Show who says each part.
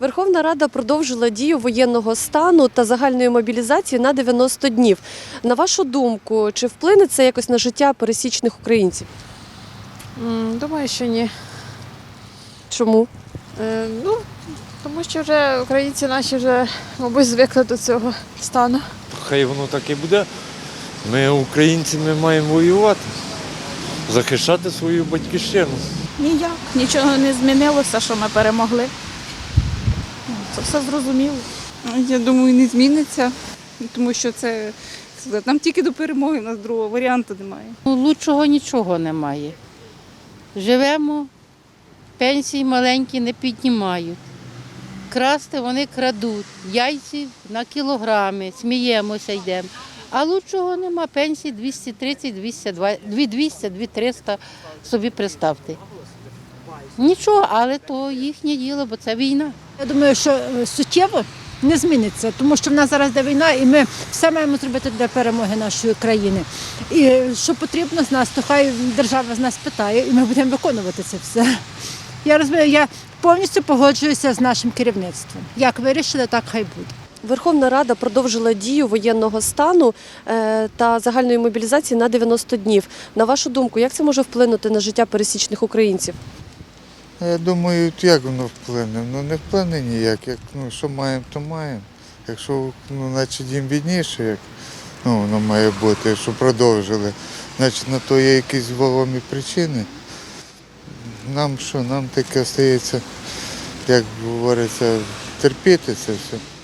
Speaker 1: Верховна Рада продовжила дію воєнного стану та загальної мобілізації на 90 днів. На вашу думку, чи вплине це якось на життя пересічних українців?
Speaker 2: Думаю, що ні.
Speaker 1: Чому?
Speaker 2: Тому що вже українці наші вже, мабуть, звикли до цього стану.
Speaker 3: Хай воно так і буде. Ми, українці, ми маємо воювати, захищати свою батьківщину.
Speaker 4: Ніяк, нічого не змінилося, що ми перемогли. Це все зрозуміло.
Speaker 5: Я думаю, не зміниться, тому що це нам тільки до перемоги, у нас другого варіанту немає.
Speaker 6: Лучшого нічого немає. Живемо, пенсії маленькі не піднімають. Красти вони крадуть, яйці на кілограми, сміємося, йдемо. А лучшого нема, пенсії 230, 200, 2300, собі представте. Нічого, але то їхнє діло, бо це війна.
Speaker 7: Я думаю, що суттєво не зміниться, тому що в нас зараз йде війна, і ми все маємо зробити для перемоги нашої країни. І що потрібно з нас, то хай держава з нас питає, і ми будемо виконувати це все. Я розумію, я повністю погоджуюся з нашим керівництвом. Як вирішили, так хай буде.
Speaker 1: Верховна Рада продовжила дію воєнного стану та загальної мобілізації на 90 днів. На вашу думку, як це може вплинути на життя пересічних українців?
Speaker 8: Я думаю, як воно вплине? Не вплине ніяк. Що маємо, то маємо. Якщо значить їм бідніше, як воно має бути, якщо продовжили, значить на то є якісь вагомі причини. Нам таке стається, як говориться, терпіти це все.